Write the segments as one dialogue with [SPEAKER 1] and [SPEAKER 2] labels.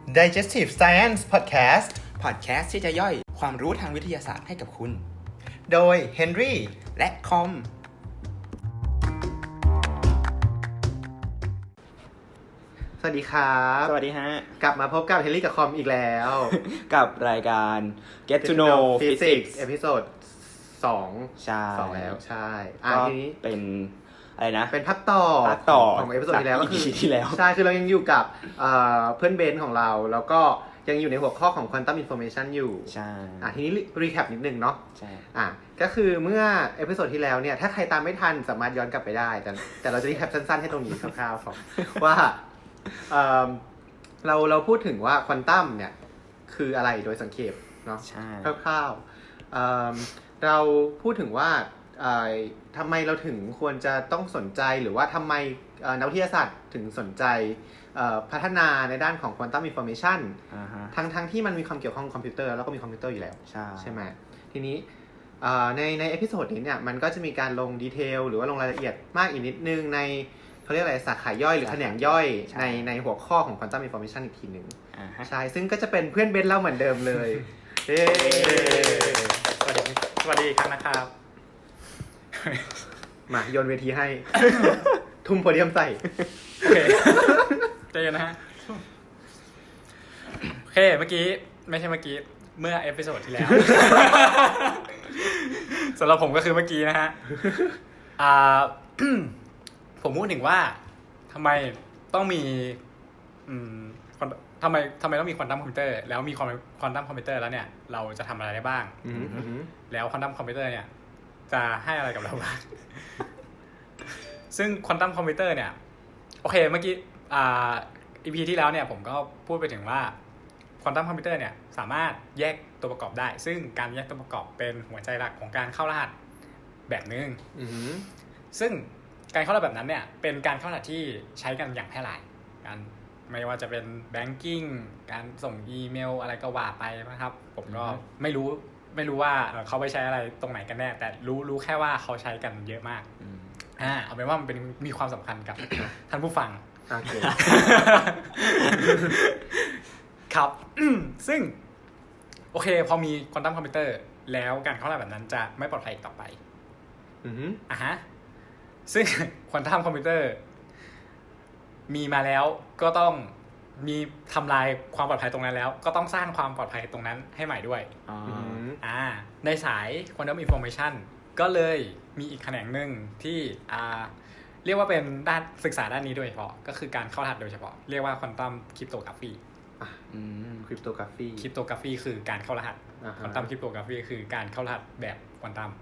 [SPEAKER 1] Digestive Science Podcast
[SPEAKER 2] พอดแคสต์ที่จะย่อยความรู้ทางวิทยาศาสตร์ให้กับคุณ
[SPEAKER 1] โดย Henry
[SPEAKER 2] และคอม
[SPEAKER 1] สวัสดีครับ
[SPEAKER 2] สวัสดีฮะ
[SPEAKER 1] กลับมาพบกับ Henry กับคอมอีกแล้ว
[SPEAKER 2] กับรายการ Get to Know Physics
[SPEAKER 1] เอพิโซด2
[SPEAKER 2] ใช่
[SPEAKER 1] 2แล้วใช่
[SPEAKER 2] ก็
[SPEAKER 1] ทีนี้
[SPEAKER 2] เป็นอะไรนะ
[SPEAKER 1] เป็นภาคต่อของเอพิโซดที่แล้วก็คือ
[SPEAKER 2] ที่แล้ว
[SPEAKER 1] ใช่คือเรายังอยู่กับเพื่อนเบนของเราแล้วก็ยังอยู่ในหัวข้อของ Quantum Information อยู่
[SPEAKER 2] ใช่
[SPEAKER 1] ทีนี้รีแคปนิดนึงเนาะ
[SPEAKER 2] ใช่
[SPEAKER 1] ก็คือเมื่อเอพิโซดที่แล้วเนี่ยถ้าใครตามไม่ทันสามารถย้อนกลับไปได้แต่เราจะรีแคปสั้นๆให้ตรงนี้คร่าวๆก่อนว่าเราพูดถึงว่าควอนตัมเนี่ยคืออะไรโดยสังเขปเนาะคร่าวๆเราพูดถึงว่าทำไมเราถึงควรจะต้องสนใจหรือว่าทำไมนักวิทยาศาสตร์ถึงสนใจพัฒนาในด้านของ Quantum Information ทั้งที่มันมีความเกี่ยวข้องกับคอมพิวเตอร์แล้วก็มีคอมพิวเตอร์อยู่แล้วใช่ไหมทีนี้ในเอพิโซดนี้เนี่ยมันก็จะมีการลงดีเทลหรือว่าลงรายละเอียดมากอีกนิดนึงในเขาเรียกอะไรสาขาย่อยหรือแขนงย่อยในหัวข้อของ Quantum Information อีกทีหนึ่งใช่ซึ่งก็จะเป็นเพื่อนเบนเล่าเหมือนเดิมเลย
[SPEAKER 3] สวัสดีอีกครั้งนะครับ
[SPEAKER 1] มาโยนเวทีให้ ทุ่มโพเดียมใส่
[SPEAKER 3] โอเคใจเย็นนะฮะโอเคเมื่อกี้เมื่อเอพิโซดที่แล้ว สำหรับผมก็คือเมื่อกี้นะฮะผมพูดถึงว่าทำไมต้องมีทำไมต้องมีควอนตัมคอมพิวเตอร์แล้วมีควอนตัมคอมพิวเตอร์แล้วเนี่ยเราจะทำอะไรได้บ้างแล้วควอนตัมคอมพิวเตอร์เนี่ยจะให้อะไรกับเราบ้าง ซึ่งควอนตัมคอมพิวเตอร์เนี่ยโอเคเมื่อกี้EP ที่แล้วเนี่ยผมก็พูดไปถึงว่าควอนตัมคอมพิวเตอร์เนี่ยสามารถแยกตัวประกอบได้ซึ่งการแยกตัวประกอบเป็นหัวใจหลักของการเข้ารหัสแบบนึงซึ่งการเข้ารหัสแบบนั้นเนี่ยเป็นการเข้ารหัสที่ใช้กันอย่างแพร่หลายการไม่ว่าจะเป็นแบงกิ้งการส่งอีเมลอะไรก็ว่าไปนะครับผมก็ไม่รู้ว่าเขาไปใช้อะไรตรงไหนกันแน่แต่รู้แค่ว่าเขาใช้กันเยอะมากเอาเป็นว่ามันมีความสำคัญกับ ท่านผู้ฟังครับ ซึ่งโอเคพอมีควอนตัมคอมพิวเตอร์แล้วการเข้ารหัสแบบนั้นจะไม่ปลอดภัยอีกต่อไปซึ่งควอนตัมคอมพิวเตอร์มีมาแล้วก็ต้องมีทำลายความปลอดภัยตรงนั้นแล้วก็ต้องสร้างความปลอดภัยตรงนั้นให้ใหม่ด้วยในสาย Quantum Information ก็เลยมีอีกแขนงหนึ่งที่เรียกว่าเป็นด้านศึกษาด้านนี้โดยเฉพาะก็คือการเข้ารหัสโดยเฉพาะเรียกว่า Quantum Cryptography Cryptography คือการเข้ารหัส Quantum Cryptography คือการเข้ารหัสแบบควอนตัม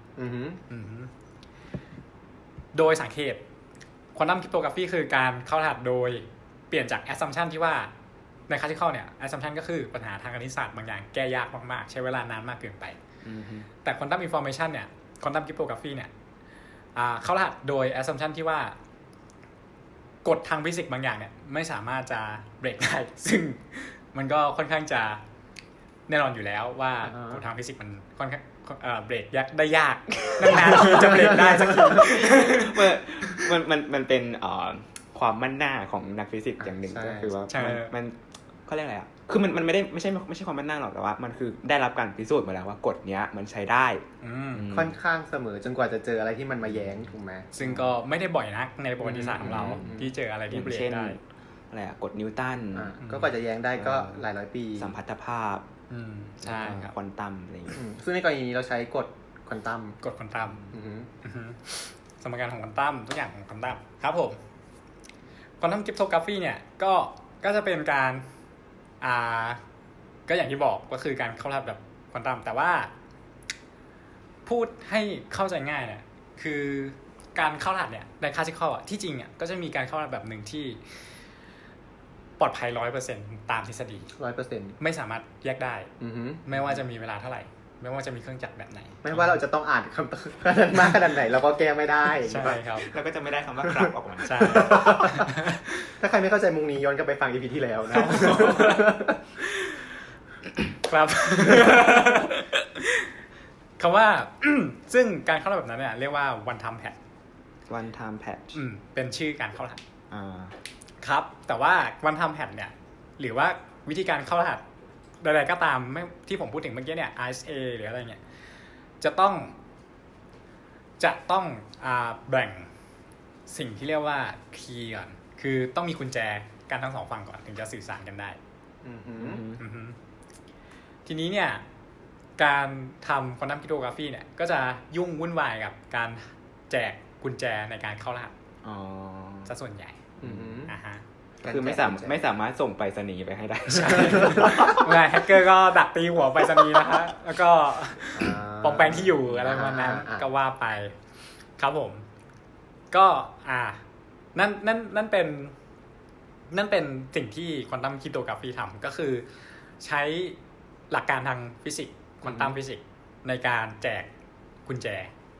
[SPEAKER 3] โดยสังเกต Quantum Cryptography คือการเข้ารหัสโดยเปลี่ยนจาก assumption ที่ว่าใน classical เนี่ย assumption ก็คือปัญหาทางคณิตศาสตร์บางอย่างแก้ยากมากๆใช้เวลานานมากเกินไปแต่ Quantum Information เนี่ย Quantum Cryptography เนี่ยเข้ารหัสโดย assumption ที่ว่ากฎทางฟิสิกส์บางอย่างเนี่ยไม่สามารถจะเบรกได้ซึ่งมันก็ค่อนข้างจะแน่นอนอยู่แล้วว่ากฎทางฟิสิกส์มันค่อนข้างเบรกได้ยากนานๆจะเบรกได้สักที
[SPEAKER 2] มันเป็นความมั่นหน้าของนักฟิสิกส์อย่างหนึ่งก็คือว่ามันเขาเรียกอะไรคือมันไม่ใช่ความมั่นหน้าหรอกแต่ว่ามันคือได้รับการพิสูจน์มาแล้วว่ากฎเนี้ยมันใช้ได้
[SPEAKER 1] ค่อนข้างเสมอจนกว่าจะเจออะไรที่มันมาแย้งถูกไหม
[SPEAKER 3] ซึ่งก็ไม่ได้บ่อยนักในประวัติศาสตร์ของเราที่เจออะไรที่เบรกได้
[SPEAKER 2] อะไรกฎนิวตัน
[SPEAKER 1] ก็กว่าจะแย้งได้ก็หลายร้อยปี
[SPEAKER 2] สัมพัทธภาพ
[SPEAKER 3] ใช่ครับ
[SPEAKER 2] ควอนตัมอะไรอย่างเงี้ย
[SPEAKER 1] ซึ่งในกรณีนี้เราใช้กฎควอนตัม
[SPEAKER 3] สมการของควอนตัมทุกอย่างของควอนตัมครับผมควอนตัมคริปโตกราฟีเนี่ยก็จะเป็นการก็อย่างที่บอกก็คือการเข้ารหัสแบบควอนตัมแต่ว่าพูดให้เข้าใจง่ายเนี่ยคือการเข้ารหัสเนี่ยในคลาสสิคอลที่จริงก็จะมีการเข้ารหัสแบบหนึ่งที่ปลอดภัย 100% ตามทฤษฎี
[SPEAKER 1] 100%
[SPEAKER 3] ไม่สามารถแยกได้ไม่ว่าจะมีเวลาเท่าไหร่ไม่ว่าจะมีเครื่องจักรแบบไหน
[SPEAKER 1] ไม่ว่าเราจะต้องอ่านคำตอบมากขนาดไหนเราก็แก้ไม่ได้
[SPEAKER 3] ใช่ครับ
[SPEAKER 2] เราก็จะไม่ได้คำว่าครับออกมา
[SPEAKER 3] ใช่
[SPEAKER 1] ถ้าใครไม่เข้าใจมุงนี้ย้อนกลับไปฟัง EP ที่แล้วนะ
[SPEAKER 3] ครับคำว่าซึ่งการเข้ารหัสแบบนั้นเนี่ยเรียกว่า one time patch เป็นชื่อการเข้ารหัสครับแต่ว่า one time patch เนี่ยหรือว่าวิธีการเข้ารหัสใดๆก็ตามไม่ที่ผมพูดถึงเมื่อกี้เนี่ย RSA หรืออะไรเงี้ยจะต้องแบ่งสิ่งที่เรียกว่าคีย์ก่อนคือต้องมีกุญแจกันทั้งสองฝั่งก่อนถึงจะสื่อสารกันได้ทีนี้เนี่ยการทำควอนตัมคริปโตกราฟีเนี่ยก็จะยุ่งวุ่นวายกับการแจกกุญแจในการเข้ารหัสซะส่วนใหญ่
[SPEAKER 2] คือไม่สามารถส่งไปรษณีย์ไปให้ได้
[SPEAKER 3] ใช่แฮกเกอร์ก็ดักตีหัวไปรษณีย์นะฮะแล้วก็ปลอมแปลงที่อยู่อะไรประมาณนั้นก็ว่าไปครับผมก็นั่นเป็นสิ่งที่ควอนตัมคริปโตกราฟีทำก็คือใช้หลักการทางฟิสิกส์ควอนตัมฟิสิกส์ในการแจกกุญแจ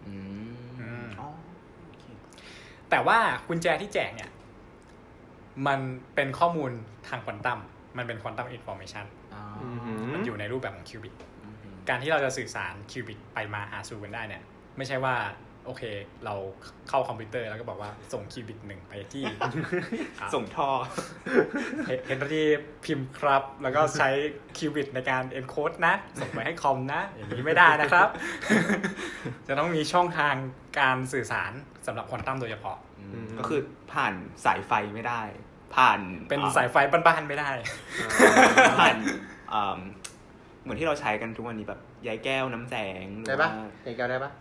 [SPEAKER 3] แต่ว่ากุญแจที่แจกเนี่ยมันเป็นข้อมูลทางควอนตัมมันเป็นควอนตัมอินฟอร์เมชันมันอยู่ในรูปแบบของคิวบิตการที่เราจะสื่อสารคิวบิตไปมาหาสู่กันได้เนี่ยไม่ใช่ว่าโอเคเราเข้าคอมพิวเตอร์แล้วก็บอกว่าส่งคิวบิต1ไปที่
[SPEAKER 2] ส่งท่อ
[SPEAKER 3] เฮนรี่พิมพ์ครับแล้วก็ใช้คิวบิตในการเอนโคดนะส่งไปให้คอมนะอย่างนี้ไม่ได้นะครับ จะต้องมีช่องทางการสื่อสารสำหรับควอนตัมโดยเฉพาะ
[SPEAKER 2] ก็คือผ่านสายไฟไม่ได้ผ่าน
[SPEAKER 3] เป็นสายไฟบ้านๆไม่ได้
[SPEAKER 2] ผ่านเหมือนที่เราใช้กันทุกวันนี้แบบใยแก้วน้ำแสง
[SPEAKER 1] ได้ปะใยแก้วได้ปะ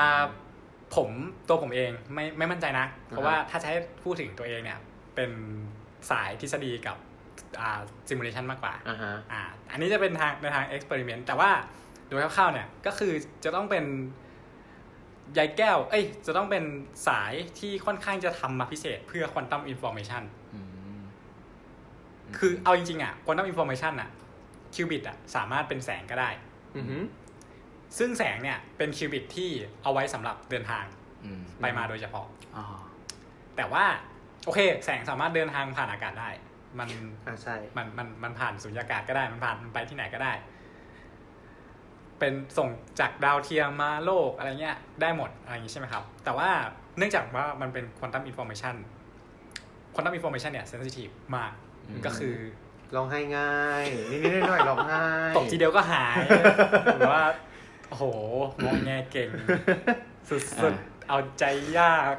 [SPEAKER 3] ผมเองไม่มั่นใจนะเพราะว่าถ้าใช้พูดถึงตัวเองเนี่ยเป็นสายทฤษฎีกับซิมูเลชันมากกว่าอันนี้จะเป็นในทางเอ็กซ์เพริเมนต์แต่ว่าโดยคร่าวๆเนี่ยก็คือจะต้องเป็นใยแก้วจะต้องเป็นสายที่ค่อนข้างจะทำมาพิเศษเพื่อควอนตัมอินฟอร์เมชันคือเอาจริงๆควอนตัมอินฟอร์เมชันคิวบิตสามารถเป็นแสงก็ได้ซึ่งแสงเนี่ยเป็นคิวบิตที่เอาไว้สำหรับเดินทางไปมาโดยเฉพาะแต่ว่าโอเคแสงสามารถเดินทางผ่านอากาศได้มัน
[SPEAKER 1] ใช่
[SPEAKER 3] มันผ่านสุญญากาศก็ได้มันไปที่ไหนก็ได้เป็นส่งจากดาวเทียมมาโลกอะไรเงี้ยได้หมดอะไรอย่างนี้ใช่ไหมครับแต่ว่าเนื่องจากว่ามันเป็นควอนตัมอินฟอร์เมชันเนี่ยเซนซิทีฟมากก็คือ
[SPEAKER 1] ร้องไห้ง่ายนิดๆหน่อยๆร้องไห้
[SPEAKER 3] ตกทีเดียวก็หายหรือว่าโอ้โหมองแงเก่งสุดๆเอาใจยาก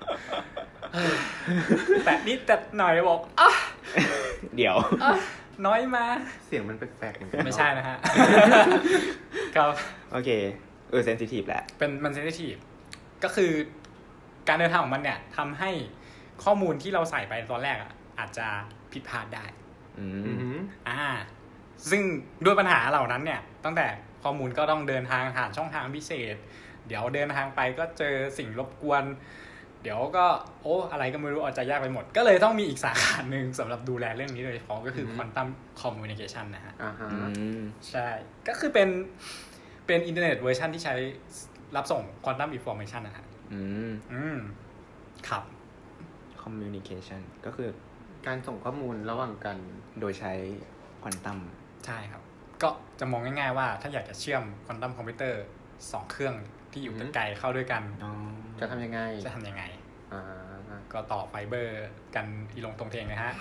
[SPEAKER 3] แต่นิดแต่หน่อยบอก
[SPEAKER 2] เดี๋ยว
[SPEAKER 3] น้อยมา
[SPEAKER 1] เสียงมันแปลกๆเหมือนกัน
[SPEAKER 3] ไม่ใช่นะฮะครับ
[SPEAKER 2] โอเคเซนซิทีฟแหละ
[SPEAKER 3] มันเซนซิทีฟก็คือการเดินทางของมันเนี่ยทำให้ข้อมูลที่เราใส่ไปตอนแรกอาจจะผิดพลาดได้ซึ่งด้วยปัญหาเหล่านั้นเนี่ยตั้งแต่ข้อมูลก็ต้องเดินทางผ่านช่องทางพิเศษเดี๋ยวเดินทางไปก็เจอสิ่งรบกวนเดี๋ยวก็อะไรก็ไม่รู้อาจจะยากไปหมดก็เลยต้องมีอีกสาขาหนึ่งสำหรับดูแลเรื่องนี้โดยเฉพาะก็คือ Quantum Communication นะฮะใช่ก็คือเป็นอินเทอร์เน็ตเวอร์ชันที่ใช้รับส่ง Quantum Information นะฮะครับ
[SPEAKER 2] Communication ก็คือ
[SPEAKER 1] การส่งข้อมูลระหว่างกัน
[SPEAKER 2] โดยใช้ควอนตัม
[SPEAKER 3] ใช่ครับก็จะมองง่ายๆว่าถ้าอยากจะเชื่อมควอนตัมคอมพิวเตอร์2เครื่องที่อยู่ไกลเข้าด้วยกัน
[SPEAKER 1] จะทำยังไง
[SPEAKER 3] ก็ต่อไฟเบอร์กันอีลงตรงเทงนะฮะ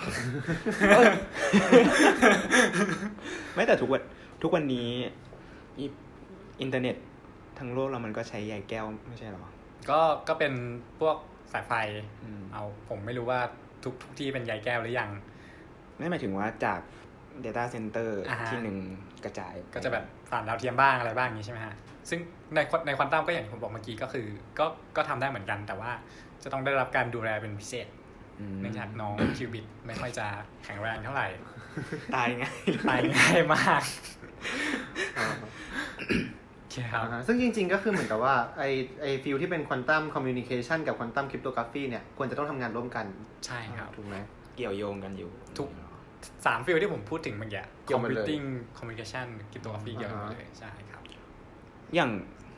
[SPEAKER 2] ไม่แต่ทุกวันนี้อินเทอร์เน็ตทั้งโลกเรามันก็ใช้ใยแก้วไม่ใช่หรอ
[SPEAKER 3] ก็เป็นพวกสายไฟผมไม่รู้ว่าทุกที่เป็นใยแก้วหรือยัง
[SPEAKER 2] ไม่หมายถึงว่าจาก data center ที่หนึ่งกระจาย
[SPEAKER 3] ก็จะแบบผ่านดาวเทียมบ้างอะไรบ้างอย่างนี้ใช่ไหมฮะซึ่งในควอนตัมก็อย่างที่ผมบอกเมื่อกี้ก็คือก็ทำได้เหมือนกันแต่ว่าจะต้องได้รับการดูแลเป็นพิเศษเนื่องจากน้องคิวบิตไม่ค่อยจะแข็งแรงเท่าไหร่
[SPEAKER 2] ตาย
[SPEAKER 3] ง่ายมาก
[SPEAKER 1] ซึ่งจริงๆก็คือเหมือนกับว่าไอฟิลที่เป็นควอนตัมคอมมิวนิเคชันกับควอนตัมคริปโตกราฟีเนี่ยควรจะต้องทำงานร่วมกัน
[SPEAKER 3] ใช่ครับ
[SPEAKER 1] ถูกไหม
[SPEAKER 2] เกี่ยวโยงกันอยู่
[SPEAKER 3] ทุก3ฟิลที่ผมพูดถึงเมื่อกี้ Computing Communication Cryptography เกี่ยวกันเลยใช่ครับ
[SPEAKER 2] อย่าง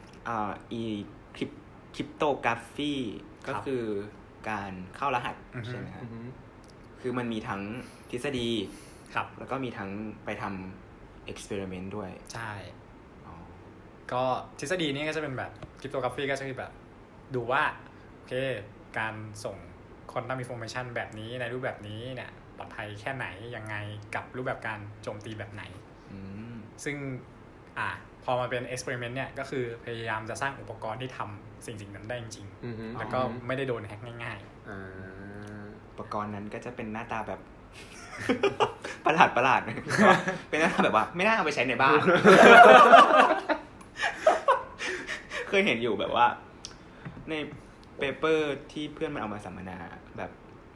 [SPEAKER 2] คริปโตกราฟีก็คือการเข้ารหัสใช่ไหมครับคือมันมีทั้งทฤษฎี
[SPEAKER 3] ครับ
[SPEAKER 2] แล้วก็มีทั้งไปทำ experiment ด้วย
[SPEAKER 3] ใช่ก็ทฤษฎีนี้ก็จะเป็นแบบคริปโตกราฟีก็จะคือแบบดูว่าโอเคการส่งควอนตัมอินฟอร์เมชันแบบนี้ในรูปแบบนี้เนี่ยลอดภัยแค่ไหนยังไงกับรูปแบบการโจมตีแบบไหนซึ่งพอมาเป็น experiment เนี่ยก็คือพยายามจะสร้างอุปกรณ์ที่ทำสิ่งนั้นได้จริงๆแล้วก็ไม่ได้โดนแฮกง่าย
[SPEAKER 2] ๆอุปกรณ์นั้นก็จะเป็นหน้าตาแบบ ประหลาดเป็นหน้าตาแบบว่าไม่น่าเอาไปใช้ในบ้าน เคยเห็นอยู่แบบว่าในเปเปอร์ที่เพื่อนมันเอามาสัมมนาแบบ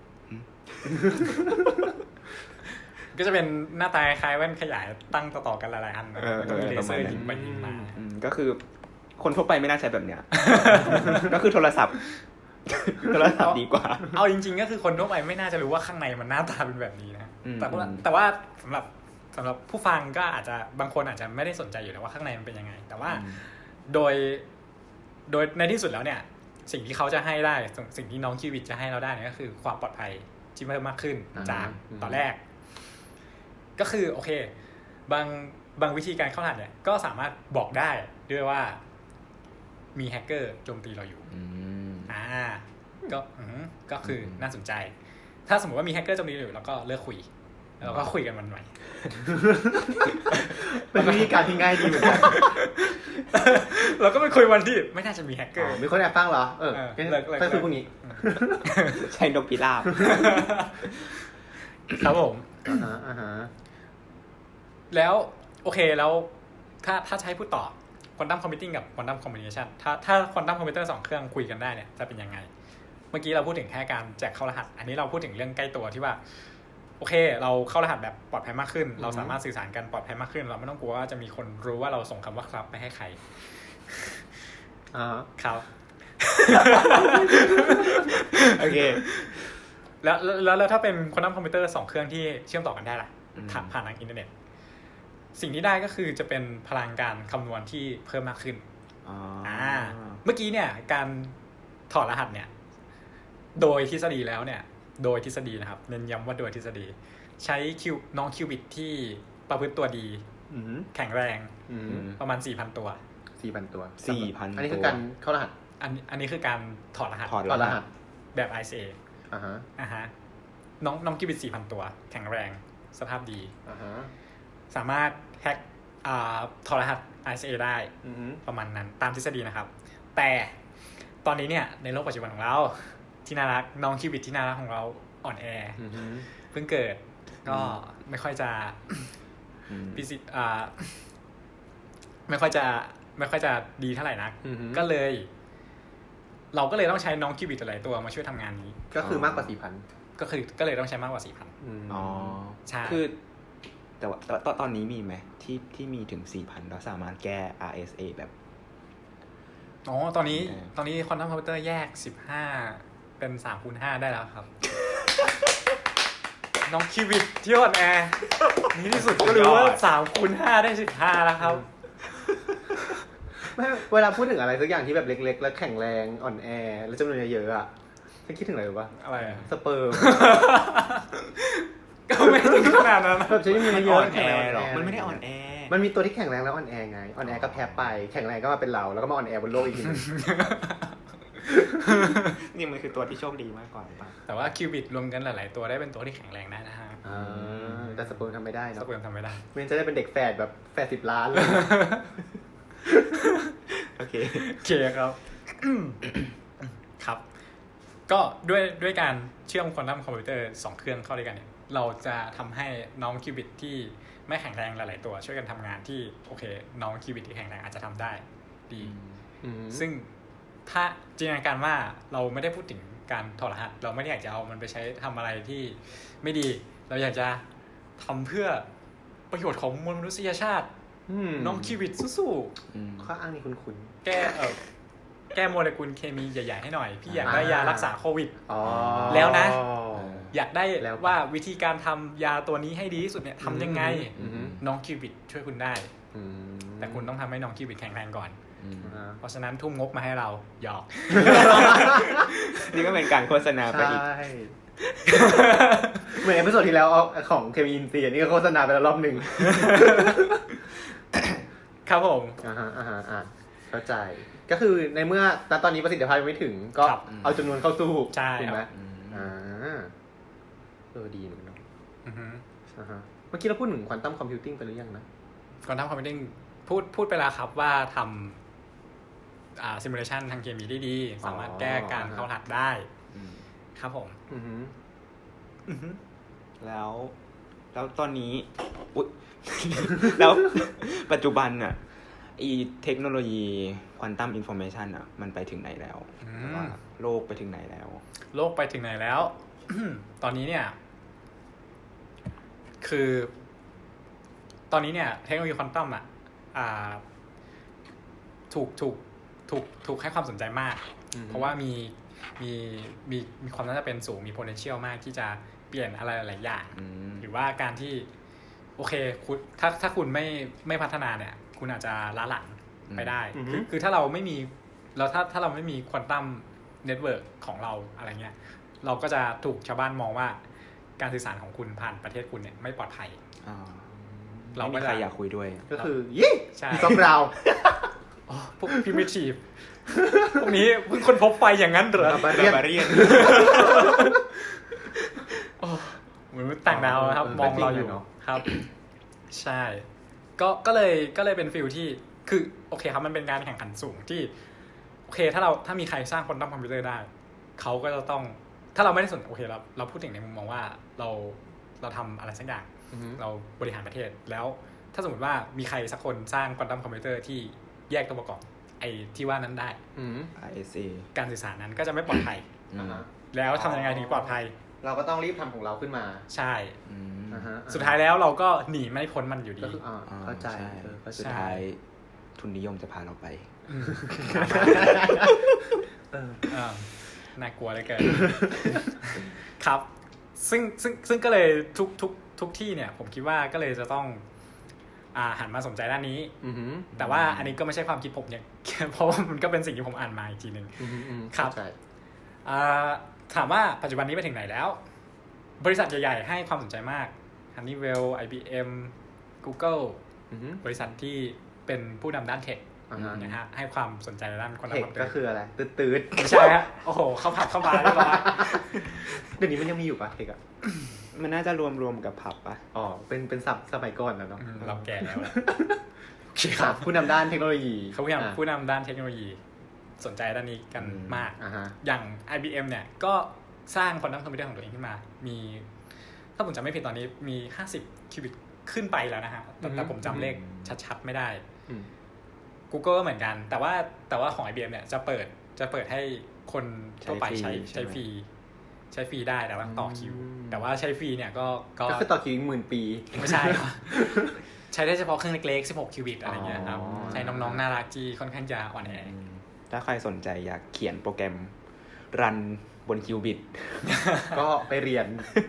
[SPEAKER 3] ก็จะเป็นหน้าตาคล้ายแว่นขยายตั้งต่อๆกันหลายๆอันแล้วก็มีเลเซอร์ยิงไปยิงมา
[SPEAKER 2] ก็คือคนทั่วไปไม่น่าใช้แบบเนี้ย ก็คือโทรศัพท์ดีกว่า
[SPEAKER 3] เอาจริงๆก็คือคนทั่วไปไม่น่าจะรู้ว่าข้างในมันหน้าตาเป็นแบบนี้นะแต่ว่าสำหรับผู้ฟังก็อาจจะบางคนอาจจะไม่ได้สนใจอยู่แล้วว่าข้างในมันเป็นยังไงแต่ว่าโดยในที่สุดแล้วเนี่ยสิ่งที่เขาจะให้ได้สิ่งที่น้องคิวบิตจะให้เราได้เนี่ยก็คือความปลอดภัยที่เพิ่มมากขึ้นจากตอนแรกก็คือโอเคบางวิธีการเข้ารหัสเนี่ยก็สามารถบอกได้ด้วยว่ามีแฮกเกอร์โจมตีเราอยู่ก็คือน่าสนใจถ้าสมมติว่ามีแฮกเกอร์โจมตีเราอยู่แล้วก็เลิกคุยแล้วก็คุยกันวันใหม่
[SPEAKER 1] เป็นวิธีการที่ง่ายดีเหมือนกัน
[SPEAKER 3] เราก็ไปคุยวันที่ไม่น่าจะมีแฮกเกอร์
[SPEAKER 1] มีคนแอบฟังเหรอค่อยคุยพวกนี้
[SPEAKER 2] ใช้นกพิราบ
[SPEAKER 3] ครับผมแล้วโอเคแล้วถ้าใช้พูดต่อควอนตัมคอมพิวติ้งกับควอนตัมคอมบิเนชันถ้าควอนตัมคอมพิวเตอร์2เครื่องคุยกันได้เนี่ยจะเป็นยังไงเมื่อกี้เราพูดถึงแค่การแจกเข้ารหัสอันนี้เราพูดถึงเรื่องใกล้ตัวที่ว่าโอเคเราเข้ารหัสแบบปลอดภัยมากขึ้นเราสามารถสื่อสารกันปลอดภัยมากขึ้นเราไม่ต้องกลัวว่าจะมีคนรู้ว่าเราส่งคำว่าครับไปให้ใครครับ
[SPEAKER 2] โอเค
[SPEAKER 3] แล้วถ้าเป็นควอนตัมคอมพิวเตอร์2เครื่องที่เชื่อมต่อกันได้ล่ะผ่านทางอินเทอร์เน็ตสิ่งที่ได้ก็คือจะเป็นพลังการคำนวณที่เพิ่มมากขึ้นเมื่อกี้เนี่ยการถอดรหัสเนี่ยโดยทฤษฎีแล้วเนี่ยโดยทฤษฎีนะครับเน้นย้ำว่าโดยทฤษฎีใช้น้องคิวบิตที่ประพฤติตัวดีแข็งแรงประมาณ 4,000 ตัว
[SPEAKER 1] 4,000 ตัว
[SPEAKER 2] 4,000
[SPEAKER 1] อันนี้คือการเข้ารหัส
[SPEAKER 3] อันนี้คือการถอดรหัสแบบ ISA น้องคิวบิต 4,000 ตัวแข็งแรงสภาพดีสามารถแฮกถอดรหัส ISA ได้ประมาณนั้นตามทฤษฎีนะครับแต่ตอนนี้เนี่ยในโลกปัจจุบันของเราที่น่ารักน้องคิวบิตที่น่ารักของเราอ่อนแอเพิ่งเกิดก็ไม่ค่อยจะไม่ค่อยจะดีเท่าไหร่นักก็เลยเราก็เลยต้องใช้น้องคิวบิตหลายตัวมาช่วยทำงานนี้
[SPEAKER 1] ก็คือมากกว่า 4,000
[SPEAKER 3] ก็เลยต้องใช้มากกว่า 4,000
[SPEAKER 2] อ๋อใช่คือแต่ว่าตอนนี้มีไหมที่มีถึง 4,000 แล้วสามารถแก้ RSA แบบ
[SPEAKER 3] ตอนนี้ควอนตัมคอมพิวเตอร์แยก15เป็น 3x5 ได้แล้วครับน้องคิวบิตที่อ่อนแอนี่ที่สุดก็รู้ว่า 3x5 ได้15แล้วครับ
[SPEAKER 1] ไม่เวลาพูดถึงอะไรสักอย่างที่แบบเล็กๆแล้วแข็งแรงอ่อนแอแล้วจำนวนเยอะๆอ่ะฉันคิดถึงอะไรรู้ป่ะ
[SPEAKER 3] อะไรอ่ะ
[SPEAKER 1] สเปิร์ม
[SPEAKER 3] ก็ไม่ถึงขนาดนั้น
[SPEAKER 1] แบบฉันมีเยอะ
[SPEAKER 2] แข็งแรงหรอกมันไม่ได้อ่อนแอ
[SPEAKER 1] มันมีตัวที่แข็งแรงแล้วอ่อนแอไงอ่อนแอก็แพ้ไปแข็งแรงก็มาเป็นเราแล้วก็มาอ่อนแอบนโลกอีกทีนึง
[SPEAKER 2] นี่มันคือตัวที่โชคดีมากกว่าป่ะ
[SPEAKER 3] แต่ว่าคิวบิตรวมกันหลายๆตัวได้เป็นตัวที่แข็งแรงได้นะฮะ
[SPEAKER 1] แต่สเปิร์มทำไม่ได้เนาะ
[SPEAKER 3] สเปิร์มทำไม่ได้
[SPEAKER 1] มันจะได้เป็นเด็กแฝดแบบแฝด10 ล้านเลย
[SPEAKER 3] โอเคครับครับก็ด้วยการเชื่อมควอนตัมคอมพิวเตอร์2เครื่องเข้าด้วยกันเนี่ยเราจะทำให้น้องคิวบิตที่ไม่แข็งแรงหลายๆตัวช่วยกันทำงานที่โอเคน้องคิวบิตที่แข็งแรงอาจจะทำได้ดีซึ่งถ้าจินตนาการว่าเราไม่ได้พูดถึงการถอดรหัสเราไม่ได้อยากจะเอามันไปใช้ทำอะไรที่ไม่ดีเราอยากจะทำเพื่อประโยชน์ของมวลมนุษยชาติน้องคิวบิตสู้
[SPEAKER 1] ๆข้ออ้างนี้คุ้น
[SPEAKER 3] ๆแก้โมเลกุลเคมีใหญ่ๆให้หน่อยพี่อยากได้ยารักษาโควิดแล้วนะอยากได้ว่าวิธีการทำยาตัวนี้ให้ดีที่สุดเนี่ยทำยังไงน้องคิวบิตช่วยคุณได้แต่คุณต้องทำให้น้องคิวบิตแข็งแรงก่อนเพราะฉะนั้นทุ่มงบมาให้เราหยอก
[SPEAKER 2] นี่ก็เป็นการโฆษณาไปอีก
[SPEAKER 1] เหมือนเอพิโซดที่แล้วของเคมีอินซีนี่ก็โฆษณาไปแล้วรอบนึง
[SPEAKER 3] ครับผม
[SPEAKER 1] เข้าใจก็คือในเมื่อตอนนี้ประสิทธิภาพยังไม่ถึงก็เอาจำนวนเข้าสู้
[SPEAKER 3] ถูกไหม
[SPEAKER 1] ดีเหมือนกันเนาะเมื่อกี้เราพูดถึงควอนตัมคอมพิวติ้งไปหรือยังนะ
[SPEAKER 3] ควอนตัมคอมพิวติ้งพูดไปแล้วครับว่าทำซิมูเลชันทางเคมีได้ดีสามารถแก้การเข้ารหัสได้ครับผม
[SPEAKER 2] แล้วตอนนี้แล้วปัจจุบันอ่ะเทคโนโลยีควอนตัมอินโฟเมชันอ่ะมันไปถึงไหนแล้วว่าโลกไปถึงไหนแล้ว
[SPEAKER 3] โลกไปถึงไหนแล้ว ตอนนี้เนี่ยคือตอนนี้เนี่ยเทคโนโลยีควอนตัมถูกให้ความสนใจมากเพราะว่ามีความน่าจะเป็นสูงมี potential มากที่จะเปลี่ยนอะไรหลายอย่างหรือว่าการที่โอเคคุณถ้าคุณไม่พัฒนาเนี่ยคุณอาจจะล้าหลังไปได้คือถ้าเราไม่มีถ้าเราไม่มีควอนตัมเน็ตเวิร์กของเราอะไรเงี้ยเราก็จะถูกชาวบ้านมองว่าการสื่อสารของคุณผ่านประเทศคุณเนี่ยไม่ปลอดภัย
[SPEAKER 2] เราไม่มีใครอยากคุยด้วย
[SPEAKER 1] ก็คือยี่พวกเรา
[SPEAKER 3] พวกพิมิทีฟพวกนี้เพิ่งคนพบไฟอย่างนั้นเหรอบาเรียนเหมือนต่างดาวครับมองเราอยู่ครับใช่ก็เลยเป็นฟีลที่คือโอเคครับมันเป็นการแข่งขันสูงที่โอเคถ้ามีใครสร้างควอนตัมคอมพิวเตอร์ได้เขาก็จะต้องถ้าเราไม่ได้สนโอเคเราพูดถึงในมุมมองว่าเราทำอะไรสักอย่างเราบริหารประเทศแล้วถ้าสมมติว่ามีใครสักคนสร้างควอนตัมคอมพิวเตอร์ที่แยกตัวประกอบไอ้ที่ว่านั้นได้การสื่อสารนั้นก็จะไม่ปลอดภัยแล้วทำยังไงถึงปลอดภัย
[SPEAKER 1] เราก็ต้องรีบทำของเราขึ้นมา
[SPEAKER 3] ใช่สุดท้ายแล้วเราก็หนีไม่พ้นมันอยู่ดี
[SPEAKER 1] เข้าใจ
[SPEAKER 2] สุดท้ายทุนนิยมจะพาเราไป
[SPEAKER 3] น่ากลัวเลยเกินครับซึ่งก็เลยทุกที่เนี่ยผมคิดว่าก็เลยจะต้องหันมาสนใจด้านนี้แต่ว่าอันนี้ก็ไม่ใช่ความคิดผมเนี่ยเพราะว่ามันก็เป็นสิ่งที่ผมอ่านมาอีกทีนึงครับถามว่าปัจจุบันนี้ไปถึงไหนแล้วบริษัทใหญ่ๆให้ความสนใจมาก Honeywell IBM Google บริษัทที่เป็นผู้นำด้านเทคนะฮะให้ความสนใจในด้านควอนตัมคอมพิวเตอร์
[SPEAKER 1] ก็คืออะไรตืด
[SPEAKER 3] ไม่ใช่ฮะโอ้โหเข้าผับเข้าบาร์เรียบร้อย
[SPEAKER 1] เดี๋ยวนี้มันยังมีอยู่ปะเทค
[SPEAKER 2] มันน่าจะรวมกับผับปะ
[SPEAKER 1] เป็นศัพท์สมัยก่อนนะเนาะ
[SPEAKER 3] เราแก่แล้ว
[SPEAKER 1] ครับผู้นำด้านเทคโนโลยี
[SPEAKER 3] เขาผู้นำด้านเทคโนโลยีสนใจด้านนี้กันมากอย่าง IBM เนี่ยก็สร้างควอนตัมคอมพิวเตอร์ของตัวเองขึ้นมามีถ้าผมจำไม่ผิดตอนนี้มี50คิวบิตขึ้นไปแล้วนะฮะแต่ผมจำเลขชัดๆไม่ได้ Google ก็เหมือนกันแต่ว่าของ IBM เนี่ยจะเปิดให้คนทั่วไปใช้ฟรีได้แต่ว่าต่อคิวแต่ว่าใช้ฟรีเนี่ยก็
[SPEAKER 1] คือต่อคิว10,000 ปี
[SPEAKER 3] ไม่ใช่ใช้ได้เฉพาะเครื่องเล็กๆ16คิวบิตอะไรเงี้ยครับใช้น้องๆน่ารักที่ค่อนข้างจะอ่อนแอ
[SPEAKER 2] ถ้าใครสนใจอยากเขียนโปรแกรมรันบนคิวบิต
[SPEAKER 1] ก็ไปเรียน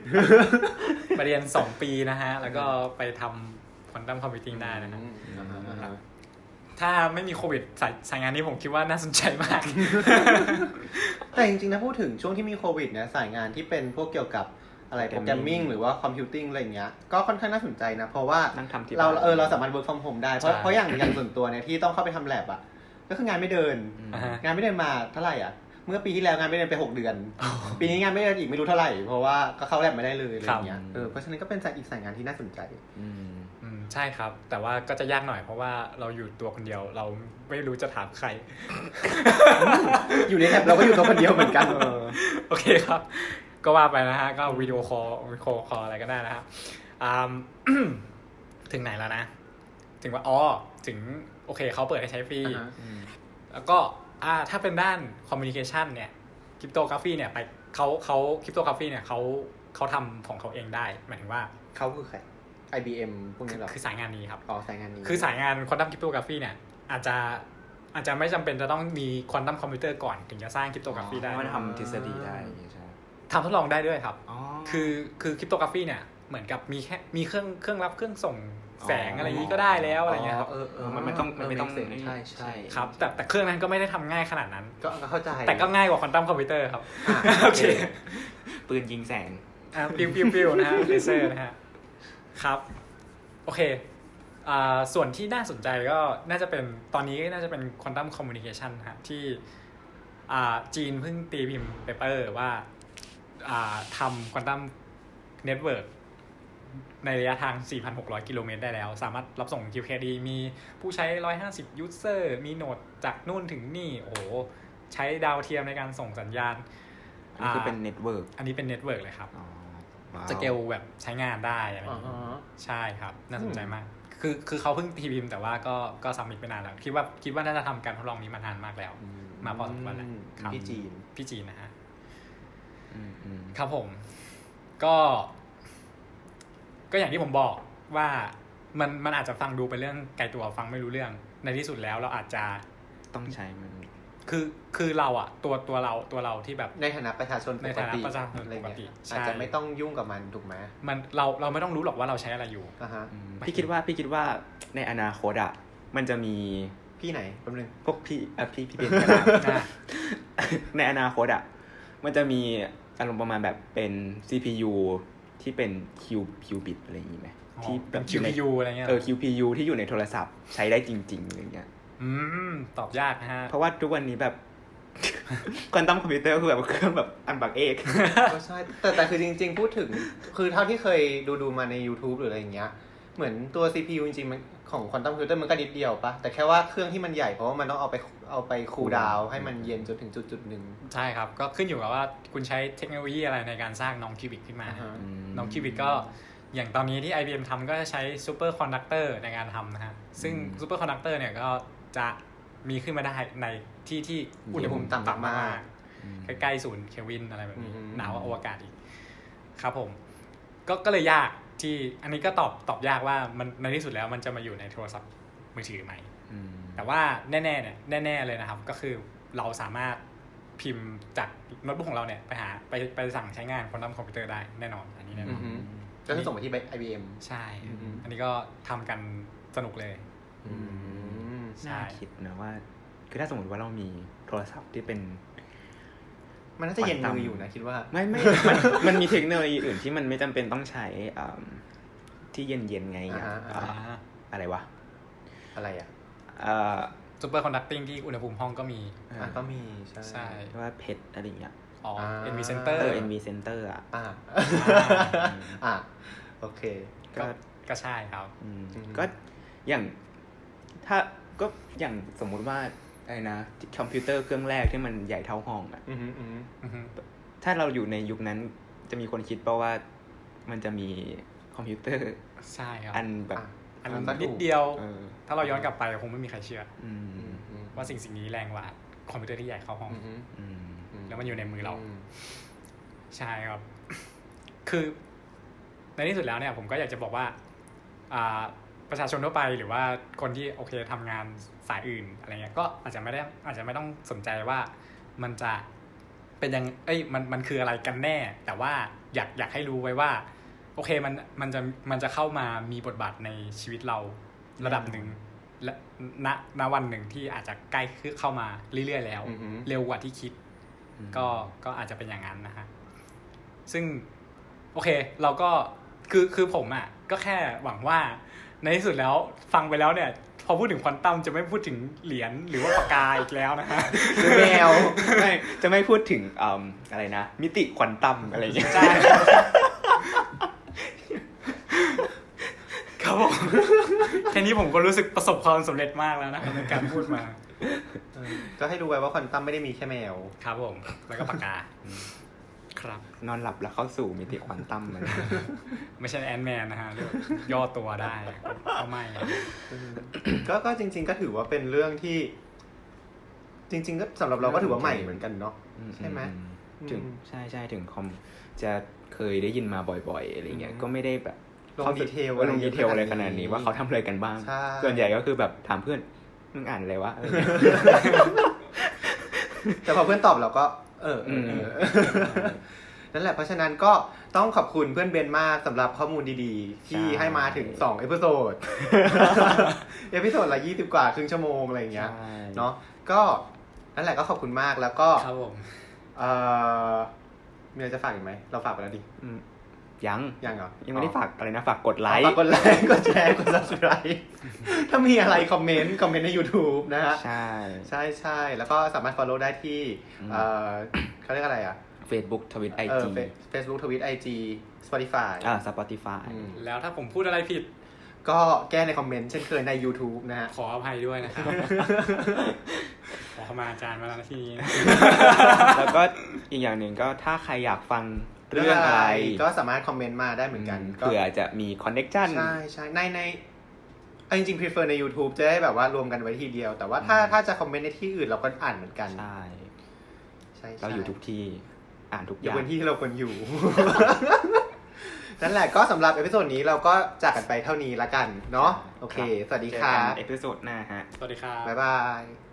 [SPEAKER 3] 2 ปีนะฮะแล้วก็ไปทำควอนตัมคอมพิวติ้งได้นะครับถ้าไม่มีโควิดสายงานนี้ผมคิดว่าน่าสนใจมาก
[SPEAKER 1] แต่จริงๆนะพูดถึงช่วงที่มีโควิดเนี่ยสายงานที่เป็นพวกเกี่ยวกับอะไรโปรแกรมมิ่งหรือว่าคอมพิวติ้งอะไรอย่างเงี้ยก็ค่อนข้างน่าสนใจนะเพราะว่าเราสามารถ work from home ได้เพราะอย่างส่วนตัวเนี่ยที่ต้องเข้าไปทำ lab อ่ะก็คืองานไม่เดินมาเท่าไหร่อ่ะเมื่อปีที่แล้วงานไม่เดินไป6 เดือนปีนี้งานไม่เดินอีกไม่รู้เท่าไหร่เพราะว่าก็เข้า lab ไม่ได้เลยอะไรอย่างเงี้ยเพราะฉะนั้นก็เป็นอีกสายงานที่น่าสนใจ
[SPEAKER 3] ใช่ครับแต่ว่าก็จะยากหน่อยเพราะว่าเราอยู่ตัวคนเดียวเราไม่รู้จะถามใคร
[SPEAKER 1] อยู่ในแลบเราก็อยู่ตัวคนเดียวเหมือนกัน
[SPEAKER 3] โอเคครับก็ว่าไปนะฮะก็วิดีโอคอลอะไรก็ได้นะครับถึงไหนแล้วนะถึงว่าถึงโอเคเขาเปิดให้ใช้ฟรีแล้วก็ถ้าเป็นด้านคอมมิวนิเคชันเนี่ยคริปโตกราฟีเนี่ยไปเขาคริปโตกราฟีเนี่ยเขาทำของเขาเองได้หมายถึงว่า
[SPEAKER 1] เขาคือใคร IBM พวกนี้หรอ
[SPEAKER 3] คือสายงานนี้ครับ
[SPEAKER 1] สายงานนี้
[SPEAKER 3] คือสายงานควอนตัมคริปโตกราฟีเนี่ยอาจจะไม่จำเป็นจะต้องมีควอนตัมคอมพิวเตอร์ก่อนถึงจะสร้างคริปโตกราฟีได้
[SPEAKER 2] มันทำทฤษฎีได้ใช่
[SPEAKER 3] ทำทดลองได้ด้วยครับคือคริปโตกราฟีเนี่ยเหมือนกับมีเครื่องรับเครื่องส่งแสงอะไรนี้ก็ได้แล้วอะไรเงี้ยครับ
[SPEAKER 2] มันไม่ต้อง
[SPEAKER 1] ใช่
[SPEAKER 3] ครับแต่เครื่องนั้นก็ไม่ได้ทำง่ายขนาดนั้น
[SPEAKER 1] ก็เข้าใจ
[SPEAKER 3] แต่ก็ง่ายกว่าควอนตัมคอมพิวเตอร์ครับโอเค
[SPEAKER 2] ปืนยิงแสง
[SPEAKER 3] ปิ้วนะฮะเลเซอร์นะฮะครับโอเคส่วนที่น่าสนใจก็น่าจะเป็นตอนนี้น่าจะเป็นควอนตัมคอมมิวนิเคชันฮะที่จีนเพิ่งตีพิมพ์เปเปอร์ว่าทำควอนตัมเน็ตเวิร์กในระยะทาง 4,600 กิโลเมตรได้แล้วสามารถรับส่ง QKD มีผู้ใช้150 ยูสเซอร์มีโหนดจากนู่นถึงนี่โอ้โหใช้ดาวเทียมในการส่งสัญญาณ
[SPEAKER 2] อันนี้คือเป็นเน็ตเวิร์ก
[SPEAKER 3] อันนี้เป็นเน็ตเวิร์กเลยครับสเกลแบบใช้งานได้อะไรอย่างนี้ใช่ครับน่าสนใจมากคือเขาเพิ่งทีพิมพ์แต่ว่าก็ซัมมิตไปนานแล้วคิดว่าน่าจะทำการทดลองนี้มานานมากแล้วมาพอสมควรแล้ว
[SPEAKER 1] พี่
[SPEAKER 3] จีนนะฮะครับผมก็อย่างที่ผมบอกว่ามันอาจจะฟังดูเป็นเรื่องไกลตัวฟังไม่รู้เรื่องในที่สุดแล้วเราอาจจะ
[SPEAKER 2] ต้องใช้มัน
[SPEAKER 3] คือเราอะตัวเราที่แบบ
[SPEAKER 1] ในฐานะประชาชนปกติอาจจะไม่ต้องยุ่งกับมันถูกไหม
[SPEAKER 3] มันเราไม่ต้องรู้หรอกว่าเราใช้อะไรอยู่
[SPEAKER 2] พี่คิดว่าในอนาคตอะมันจะมี
[SPEAKER 1] พี่ไหนแป๊บนึง
[SPEAKER 2] พวกพี่เป็นในอนาคตอะมันจะมีอารมณ์ประมาณแบบเป็น CPU ที่เป็น qubit อะไรอย่างงี้ไหม
[SPEAKER 3] ที่แบบ QPU อะไรเงี้ย
[SPEAKER 2] QPU ที่อยู่ในโทรศัพท์ใช้ได้จริงๆอะไรเงี้ย
[SPEAKER 3] ตอบยากนะฮะ
[SPEAKER 2] เพราะว่าทุกวันนี้แบบควอนตัมคอมพิวเตอร์คือแบบเครื่องแบบอันบักเอก
[SPEAKER 1] ก็ใช่แต่คือจริงๆพูดถึงคือเท่าที่เคยดูมาใน YouTube หรืออะไรอย่างเงี้ยเหมือนตัว CPU จริงๆมันของควอนตัมคอมพิวเตอร์มันก็นิดเดียวปะแต่แค่ว่าเครื่องที่มันใหญ่เพราะว่ามันต้องเอาไปคูลดาวน์ให้มันเย็นจนถึงจุดๆนึง
[SPEAKER 3] ใช่ครับก็ขึ้นอยู่กับว่าคุณใช้เทคโนโลยีอะไรในการสร้างน้องคิวบิตขึ้นมาน้องคิวบิตก็อย่างตอนนี้ที่ IBM ทำก็จะใช้ซูเปอร์คอนดักเตอร์ในการทำนะฮะซึ่งซูเปอร์คอนดักเตอร์เนี่ยก็จะมีขึ้นมาได้ในที่อุณหภูมิต่ำมากใกล้ๆ0 เคลวินอะไรแบบนี้หนาวกว่าอวกาศอีกครับผมก็เลยยากที่อันนี้ก็ตอบยากว่ามันในที่สุดแล้วมันจะมาอยู่ในโทรศัพท์มือถือไหมแต่ว่าแน่เลยนะครับก็คือเราสามารถพิมพ์จากโน้ตบุ๊กของเราเนี่ยไปสั่งใช้งานควอนตัมคอมพิวเตอร์ได้แน่นอนอันนี้แน่นอน
[SPEAKER 1] ก็คือส่งไปที่ IBM
[SPEAKER 3] ใช่อันนี้ก็ทำกันสนุกเลย
[SPEAKER 2] น่าคิดนะว่าคือถ้าสมมติว่าเรามีโทรศัพท์ที่เป็น
[SPEAKER 1] มันน่าจะเย็นมืออยู่นะคิดว่า
[SPEAKER 2] ไม่มันมีเทคโนโลยีอื่นที่มันไม่จำเป็นต้องใช้ที่เย็นๆไงอะไรวะ
[SPEAKER 1] อะไรอ่ะ
[SPEAKER 3] ซูเปอร์คอนดักติ้งที่อุณหภูมิห้องก็มี
[SPEAKER 1] ใช่
[SPEAKER 2] ว่าเพชรอะไรอย่างเงี้ย
[SPEAKER 3] NV Center
[SPEAKER 2] NV Center
[SPEAKER 1] โอเค
[SPEAKER 3] ก็ใช่ครับ
[SPEAKER 2] ก็อย่างถ้าก็อย่างสมมุติว่าอะไรนะคอมพิวเตอร์เครื่องแรกที่มันใหญ่เท่าห้องอ่ะถ้าเราอยู่ในยุคนั้นจะมีคนคิดป่ะว่ามันจะมีคอมพิวเตอร์
[SPEAKER 3] ใช่ครับ
[SPEAKER 2] อันแบบ
[SPEAKER 3] อันนิดเดียวถ้าเราย้อนกลับไปคงไม่มีใครเชื่อว่าสิ่งนี้แรงกว่าคอมพิวเตอร์ที่ใหญ่เข้าห้องแล้วมันอยู่ในมือเราใช่ครับคือในที่สุดแล้วเนี่ยผมก็อยากจะบอกว่าประชาชนทั่วไปหรือว่าคนที่โอเคทำงานสายอื่นอะไรเงี้ยก็อาจจะไม่ต้องสนใจว่ามันจะเป็นยังมันคืออะไรกันแน่แต่ว่าอยากให้รู้ไว้ว่าโอเคมันจะเข้ามามีบทบาทในชีวิตเราระดับหนึ่งและณวันหนึ่งที่อาจจะใกล้เข้ามาเรื่อยๆแล้วเร็วกว่าที่คิดก็อาจจะเป็นอย่างนั้นนะฮะซึ่งโอเคเราก็คือผมอ่ะก็แค่หวังว่าในที่สุดแล้วฟังไปแล้วเนี่ยพอพูดถึงควอนตัมจะไม่พูดถึงเหรียญหรือว่าปากกาอีกแล้วนะฮะ
[SPEAKER 1] แมว
[SPEAKER 2] จะไม่พูดถึงอะไรนะมิติควอนตัมอะไรอย่างเงี้ย
[SPEAKER 3] ใช่ครับผมแค่นี้ผมก็รู้สึกประสบความสำเร็จมากแล้วนะในการพูดมา
[SPEAKER 1] ก็ให้ดูไว้ว่าควอนตัมไม่ได้มีแค่แมว
[SPEAKER 3] ครับผมแล้วก็ปากกาครับ
[SPEAKER 2] นอนหลับแล้วเข้าสู่มิติควอนตัมเลย
[SPEAKER 3] ไม่ใช่แอนด์แมนนะฮะย่อตัวได้ก็ไม่
[SPEAKER 1] ก็จริงๆก็ถือว่าเป็นเรื่องที่จริงๆก็สำหรับเราก็ถือว่าใหม่เหมือนกันเนาะใช่ไหม
[SPEAKER 2] ถึงใช่ถึงคอมจะเคยได้ยินมาบ่อยๆอะไรเงี้ยก็ไม่ได้แบบ
[SPEAKER 1] ลงดีเทล
[SPEAKER 2] อะไรขนาดนี้ว่าเขาทำอะไรกันบ้างส่วนใหญ่ก็คือแบบถามเพื่อนมึงอ่านอะไรวะ
[SPEAKER 1] แต่พอเพื่อนตอบเราก็นั่นแหละเพราะฉะนั้นก็ต้องขอบคุณเพื่อนเบนมากสำหรับข้อมูลดีๆที่ให้มาถึง2เอพิโซดละ20กว่าครึ่งชั่วโมงอะไรอย่างเงี้ยเนาะก็นั่นแหละก็ขอบคุณมากแล้วก็
[SPEAKER 3] ครับผม
[SPEAKER 1] มีอะไรจะฝากอีกไหมเราฝากไปแล้วดิ
[SPEAKER 2] ยัง
[SPEAKER 1] เหรอ
[SPEAKER 2] ยังไม่ได้ฝากอะไรนะฝากกดไลค์
[SPEAKER 1] กดแชร์กด Subscribe ถ้ามีอะไรคอมเมนต์ใน YouTube นะฮะใช่แล้วก็สามารถ follow ได้ที่เขาเรียกอะไรอ่ะ
[SPEAKER 2] Facebook Twitter IG
[SPEAKER 1] Facebook Twitter IG Spotify
[SPEAKER 2] Spotify
[SPEAKER 3] แล้วถ้าผมพูดอะไรผิด
[SPEAKER 1] ก็แก้ในคอมเมนต์เช่นเคยใน YouTube นะฮะ
[SPEAKER 3] ขออภัยด้วยนะครับ ขอเข้ามาอาจารย์มาแล้วนะที่นี้นะ
[SPEAKER 2] แล้วก็อีกอย่างหนึ่งก็ถ้าใครอยากฟังเรื่องอะไร
[SPEAKER 1] ก็สามารถคอมเมนต์มาได้เหมือนกัน
[SPEAKER 2] เผื่อจะมีคอนเนคชั่น
[SPEAKER 1] ใช่ในจริงๆ prefer ใน YouTube จะได้แบบว่ารวมกันไว้ทีเดียวแต่ว่าถ้าจะคอมเมนต์ในที่อื่นเราก็อ่านเหมือนกัน
[SPEAKER 2] ใช่เราอยู่ทุกที่อ่านทุกอย่าง
[SPEAKER 1] อยู่บนที่ที่เราควรอยู่ นั่นแหละก็สำหรับเอพิโซดนี้เราก็จากกันไปเท่านี้ละกันเนาะโอเคสวัสดีครับ
[SPEAKER 2] เอพิโซดหน้าฮะ
[SPEAKER 3] สวัสดีครับ
[SPEAKER 1] บ๊ายบาย